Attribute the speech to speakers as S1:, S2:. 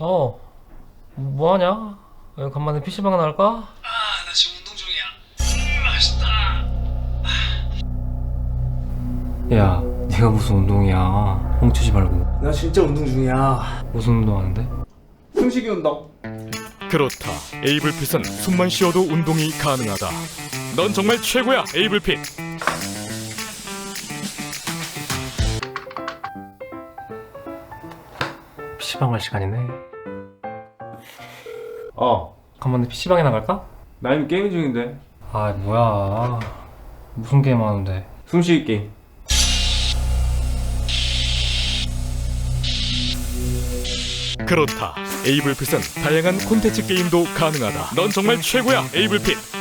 S1: 어, 뭐하냐? 여기 간만에 PC방 나갈까?
S2: 나 지금 운동 중이야. 맛있다.
S1: 야, 네가 무슨 운동이야? 뻥치지 말고.
S2: 나 진짜 운동 중이야.
S1: 무슨 운동하는데?
S2: 숨쉬기 운동.
S3: 그렇다. 에이블핏은 숨만 쉬어도 운동이 가능하다. 넌 정말 최고야, 에이블핏.
S1: PC방 갈 시간이네.
S2: 어,
S1: 간만에 PC방에 나갈까?
S2: 나 이미 게임 중인데.
S1: 아, 뭐야. 무슨 게임 하는데?
S2: 숨쉬기 게임.
S3: 그렇다. 에이블핏은 다양한 콘텐츠 게임도 가능하다. 넌 정말 최고야, 에이블핏.